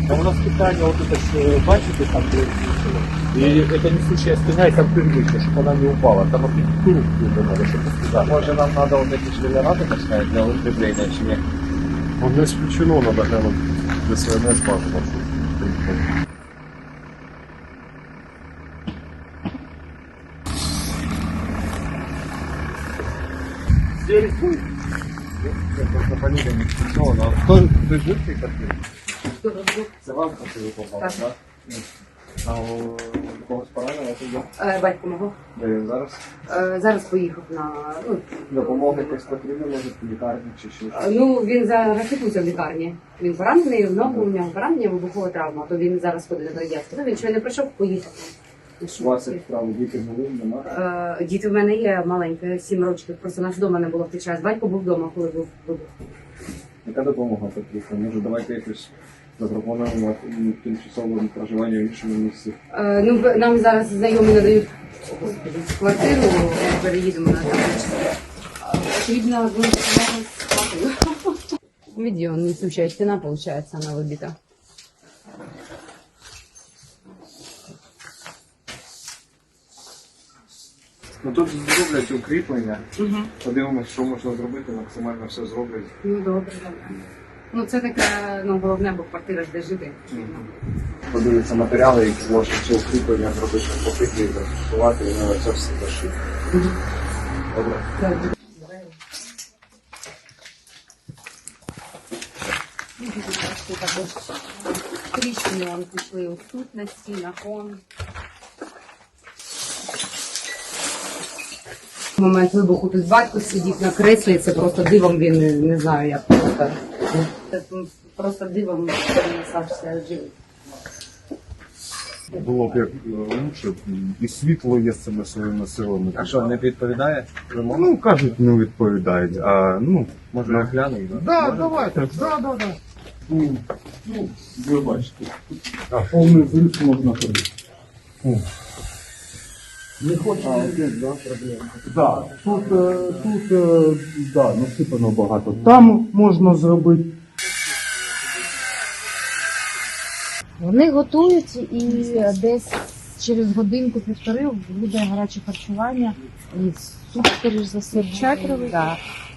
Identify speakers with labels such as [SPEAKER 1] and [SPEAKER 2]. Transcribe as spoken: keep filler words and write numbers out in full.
[SPEAKER 1] А у нас питание, вот это ж, бачите, там, где и это несущая стена, и там привычно, чтобы она не упала. Там архитектуру какую-то надо, чтобы туда.
[SPEAKER 2] Може нам треба вот эти шлемерати поставити для укріплення чи ні?
[SPEAKER 3] Он не исключено, надо глянуть для СНС бажано.
[SPEAKER 1] Здесь будет.
[SPEAKER 2] Це просто фамілія не фіксована. А хто ви жив в цій квартирі? Це вам квартиру попало,
[SPEAKER 4] Так.
[SPEAKER 2] так? А у когось поранено, це є?
[SPEAKER 4] Е, Батько мого.
[SPEAKER 2] Де він зараз?
[SPEAKER 4] Е, Зараз поїхав на. Ну,
[SPEAKER 2] Допомога якась потрібна, може, в лікарні чи ще щось?
[SPEAKER 4] е, ну він зараз лікується в лікарні. Він поранений, в ногу, у нього поранення, вибухова травма, то він зараз ходить на радіацію. Ну, він ще не прийшов, поїхав.
[SPEAKER 2] У вас як справа, діти були, нема?
[SPEAKER 4] Е, Діти в мене є маленькі, сім років, просто нас вдома не було в той час. Батько був вдома, коли був вибух.
[SPEAKER 2] Яка допомога потрібна? Може, давайте якось запропонуємо м, тимчасове проживання в іншому місці?
[SPEAKER 4] Е, Ну, в- нам зараз знайомі надають квартиру, ми переїдемо на там. Очевидно, будем с папой. Видео, несущая стена, получается, она выбита.
[SPEAKER 2] Ну тут зроблять укріплення.
[SPEAKER 4] Угу.
[SPEAKER 2] Подивимось, що можна зробити, максимально все зроблять.
[SPEAKER 4] Ну, добре, добре. Ну, це таке, ну, головне, бо квартира ж де жити.
[SPEAKER 2] Подивитися матеріали, які можна ці укріплення зробити, покрити, застосувати, і на це все зашити. Добре.
[SPEAKER 4] Бачите, також тріщини вони пішли ось тут на стінах, он. В момент вибуху тут батько сидів на креслі, це просто дивом він, не, не знаю, як просто. Це просто дивом він залишався живий.
[SPEAKER 3] Було б як е, лучше, і світло є з цими своїми силами.
[SPEAKER 2] А що, не відповідає?
[SPEAKER 3] Ну, кажуть, не відповідають, а ну,
[SPEAKER 2] Може,
[SPEAKER 3] на-
[SPEAKER 2] глянемо?
[SPEAKER 3] Да, давайте, да, да, да. Ну, ну, ви бачите. А повний зрив можна ходити. О. Не хочу.
[SPEAKER 2] А, тут, да, проблема.
[SPEAKER 3] Да, тут, е, тут е, да, насипано багато. Там можна зробити.
[SPEAKER 5] Вони готують і десь через годинку-півтори буде гаряче харчування і суп, скоріш за все, чатровий.